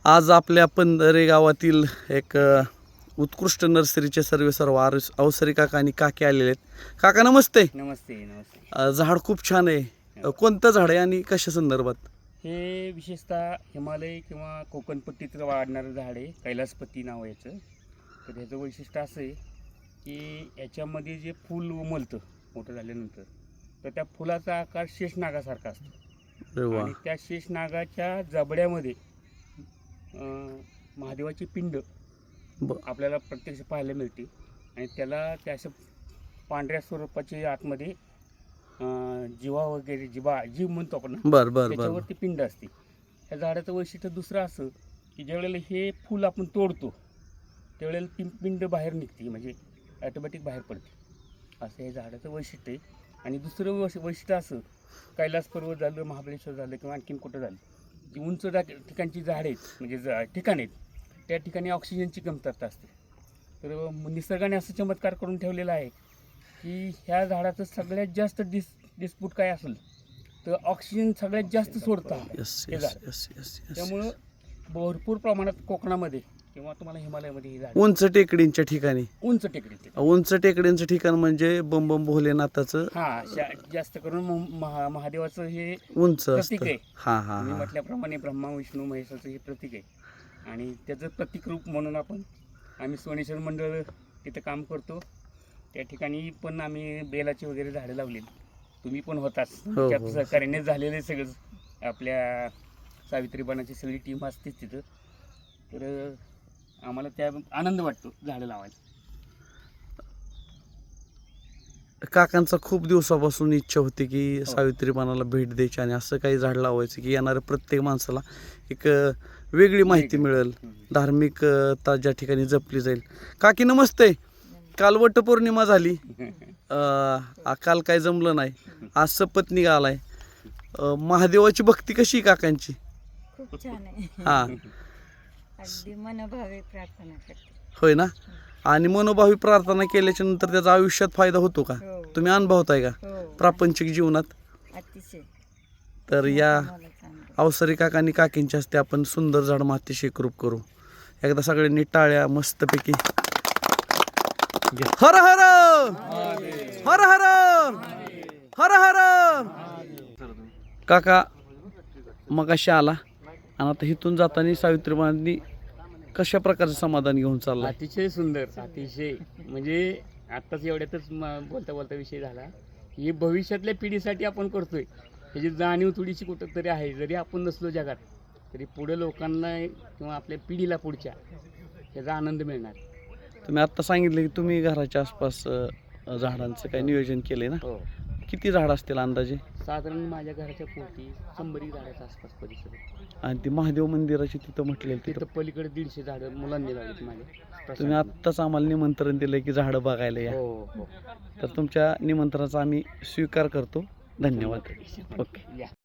आज आपल्या पंधरे गावातील एक उत्कृष्ट नर्सरीचे सर्व अवसरी काका आणि काकी आलेले आहेत. काका नमस्ते. नमस्ते नमस्ते. झाड खूप छान आहे. कोणतं झाड आहे आणि कशा संदर्भात? हे विशेषतः हिमालय किंवा कोकणपट्टीत वाढणारं झाड आहे. कैलासपती नाव आहे याचं. तर ह्याचं वैशिष्ट्य असं आहे की याच्यामध्ये जे फूल उमलतं मोठं झाल्यानंतर, तर त्या फुलाचा आकार शेषनागासारखा असतो. अरे वा. आणि त्या शेषनागाच्या जबड्यामध्ये महादेवाची पिंड आपल्याला प्रत्यक्ष पाहायला मिळते. आणि त्याला त्या असं पांढऱ्या स्वरूपाचे आतमध्ये जीवा वगैरे जीव म्हणतो आपण, त्याच्यावरती पिंड असते. ह्या झाडाचं वैशिष्ट्य दुसरं असं की ज्यावेळेला हे फूल आपण तोडतो त्यावेळेला ती पिंड बाहेर निघते, म्हणजे ॲटोमॅटिक बाहेर पडते. असं हे झाडाचं वैशिष्ट्य आहे. आणि दुसरं वैशिष्ट्य असं, कैलास पर्वत झालं, महाबळेश्वर झालं किंवा आणखीन कुठं झालं, जी उंच ठिकाणची झाडं आहेत, म्हणजे ठिकाण आहेत, त्या ठिकाणी ऑक्सिजनची कमतरता असते. तर निसर्गाने असं चमत्कार करून ठेवलेला आहे की ह्या झाडाचं सगळ्यात जास्त डिस्प्यूट काय असेल तर ऑक्सिजन सगळ्यात जास्त सोडतं हे झाड. त्यामुळं भरपूर प्रमाणात कोकणामध्ये किंवा तुम्हाला हिमालयामध्ये ही झाड उंच टेकडींच्या ठिकाणी, उंच टेकडींचं ठिकाण म्हणजे बम बम भोलेनाथाचं जास्त करून महादेवाचं हे उंच प्रतीक आहे. मी म्हटल्याप्रमाणे ब्रह्मा विष्णू महेशाचं हे प्रतीक आहे. आणि त्याचं प्रतीक रूप म्हणून आम्ही सोनेश्वर मंडळ तिथे काम करतो. त्या ठिकाणी पण आम्ही बेलाची वगैरे झाडं लावलेली. तुम्ही पण होताच, त्यात सहकार्याने झालेले सगळं. आपल्या सावित्रीबाणाची सगळी टीम असतेच तिथं. तर आम्हाला त्या आनंद वाटतो झाडं लावायला. काकांचा खूप दिवसापासून इच्छा होती की सावित्रीबाणाला भेट द्यायची आणि असं काही झाड लावायचं की येणाऱ्या प्रत्येक माणसाला एक वेगळी माहिती मिळेल, धार्मिकता ज्या ठिकाणी जपली जाईल. काकी नमस्ते. काल वटपौर्णिमा झाली, काल काय जमलं नाही, आज सपत्नीक आलाय. महादेवाची भक्ती कशी काकांची? खूप छान आहे. अगदी मनोभावे प्रार्थना करते. होय ना. आणि मनोभावी प्रार्थना केल्याच्या नंतर त्याचा आयुष्यात फायदा होतो का? तुम्ही अनुभवताय का प्रापंचिक जीवनात? अतिशय. तर या अवसरी काका आणि काकींच्या हस्ते आपण सुंदर झाड मातीशी एकरूप करू. एकदा सगळ्यांनी टाळ्या मस्तपैकी. हर हर हर हर हर हर. काका मगाशी आला आणि आता इथून जाताना सावित्रीबाईंनी कशा प्रकारचं समाधान घेऊन चालला? अतिशय सुंदर, अतिशय. म्हणजे आत्ताच एवढ्यातच बोलता बोलता विषय झाला की भविष्यातल्या पिढीसाठी आपण करतोय त्याची जाणीव थोडीशी कुठं तरी आहे. जरी आपण नसलो जगात तरी पुढे लोकांना किंवा आपल्या पिढीला पुढच्या याचा आनंद मिळणार. तुम्ही आत्ता सांगितलं की तुम्ही घराच्या आसपास झाडांचं काही नियोजन केलंय ना? हो. किती झाड असतील अंदाजे? साधारण माझ्या घराच्या पोटी 100 झाडाच्या आसपास परिसर. आणि ती महादेव मंदिराची तिथं म्हटलेलं तिथं पलीकडे 150 झाडं मुलांनी लावलीत माझ्या. तुम्ही आत्ताच आम्हाला निमंत्रण दिलंय की झाडं बघायला या. हो. तर तुमच्या निमंत्रणाचा आम्ही स्वीकार करतो. धन्यवाद. ओके.